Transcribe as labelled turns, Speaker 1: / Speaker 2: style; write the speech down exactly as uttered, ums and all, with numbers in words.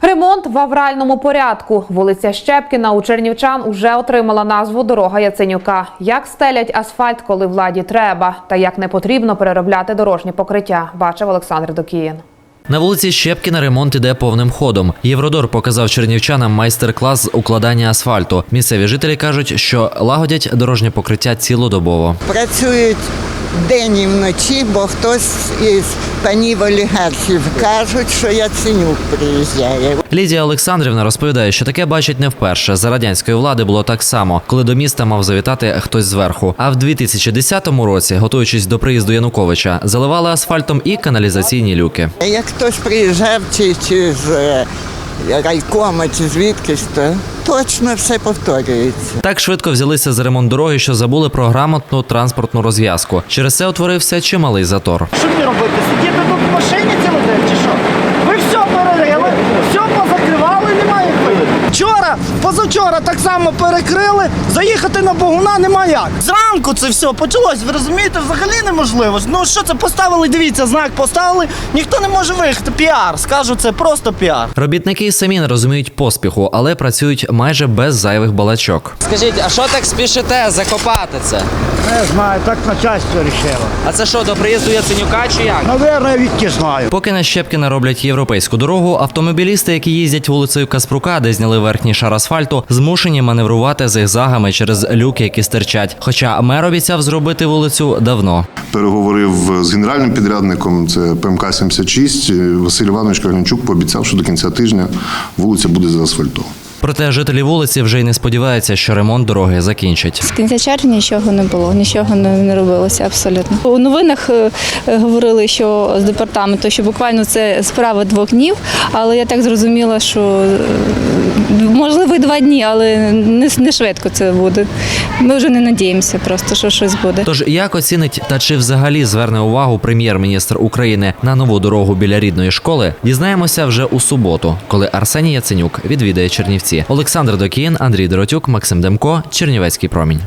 Speaker 1: Ремонт в авральному порядку. Вулиця Щепкіна у чернівчан уже отримала назву «Дорога Яценюка». Як стелять асфальт, коли владі треба, та як не потрібно переробляти дорожнє покриття, бачив Олександр Докіїн.
Speaker 2: На вулиці Щепкіна ремонт іде повним ходом. Євродор показав чернівчанам майстер-клас з укладання асфальту. Місцеві жителі кажуть, що лагодять дорожнє покриття цілодобово.
Speaker 3: Працюють день і вночі, бо хтось із панів олігархів кажуть, що Яценюк приїжджає.
Speaker 2: Лідія Олександрівна розповідає, що таке бачить не вперше. За радянської влади було так само, коли до міста мав завітати хтось зверху. А в дві тисячі десятому році, готуючись до приїзду Януковича, заливали асфальтом і каналізаційні люки.
Speaker 3: Як хтось приїжджав чи, чи з райкома, чи звідкись, то точно все повторюється.
Speaker 2: Так швидко взялися за ремонт дороги, що забули про грамотну транспортну розв'язку. Через це утворився чималий затор.
Speaker 4: Що мені робити? Сидіти тут в машині цілий день чи що? Ви все перерили, все позакривали, немає виходу. Вчора, позавчора так само перекрили, заїхати на Богуна немає як. Зранку це все почалось, ви розумієте, взагалі неможливо. Ну що це, поставили, дивіться, знак поставили, ніхто не може виїхати. Піар, скажу, це просто піар.
Speaker 2: Робітники самі не розуміють поспіху, але працюють майже без зайвих балачок.
Speaker 5: Скажіть, а що так спішите закопати це?
Speaker 4: Не знаю, так начальство рішило.
Speaker 5: А це що, до приїзду Яценюка чи як?
Speaker 4: Навірно, я відки знаю.
Speaker 2: Поки на Щепкіна роблять європейську дорогу, автомобілісти, які їздять вулицею Каспрука, де зняли верхній шар асфальту, змушені маневрувати зигзагами через люки, які стирчать. Хоча мер обіцяв зробити вулицю давно.
Speaker 6: Переговорив з генеральним підрядником, це Пе Ем Ка сімдесят шість. Василь Іванович Каганчук пообіцяв, що до кінця тижня вулиця буде заасфальтована.
Speaker 2: Проте жителі вулиці вже й не сподіваються, що ремонт дороги закінчать.
Speaker 7: З кінця червня нічого не було, нічого не, не робилося абсолютно. У новинах е, говорили, що з департаменту, що буквально це справа двох днів, але я так зрозуміла, що е, можливо і два дні, але не, не швидко це буде. Ми вже не надіємося просто, що щось буде.
Speaker 2: Тож як оцінить та чи взагалі зверне увагу прем'єр-міністр України на нову дорогу біля рідної школи, дізнаємося вже у суботу, коли Арсеній Яценюк відвідає Чернівці. Олександр Докіїн, Андрій Доротюк, Максим Демко, Чернівецький промінь.